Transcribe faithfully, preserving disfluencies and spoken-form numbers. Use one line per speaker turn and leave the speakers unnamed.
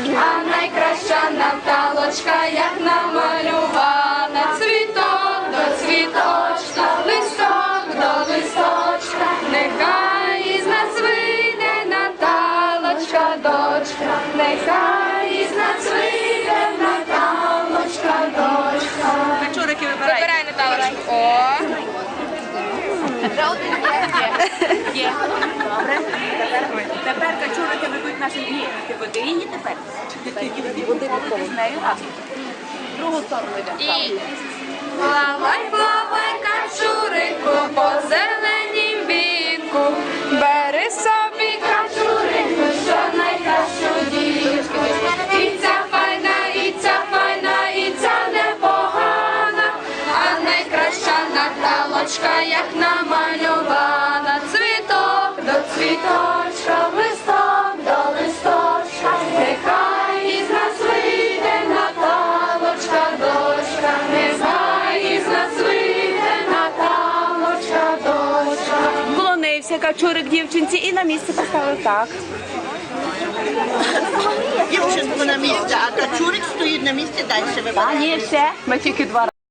а найкраща Наталочка, як намалювана. Цвіток до цвіточка, листок до листочка, нехай із нас вийде Наталочка, дочка, нехай із нас вийде Наталочка, дочка.
Качурики вибирай.
Вибирай Наталочку. О!
Є. Добре. Тепер качурики ведуть наші дні. Ти веди її тепер. Води з нею. Другу сторону йде.
І плавай, плавай, качурику, по зеленім віку, бери собі качурику, що найкращу дівку. І ця файна, і ця файна, і ця непогана, а найкраща Наталочка, як намалювана. Цвіток до цвіточка, листок до листочка, нехай із нас вийде Наталочка, дочка, нехай із нас вийде Наталочка, дочка.
Вклонився качурик дівчинці і на місце поставив так.
Дівчинку на місці, а качурик стоїть на місці далі.
А ні, ще. Ми тільки два рази.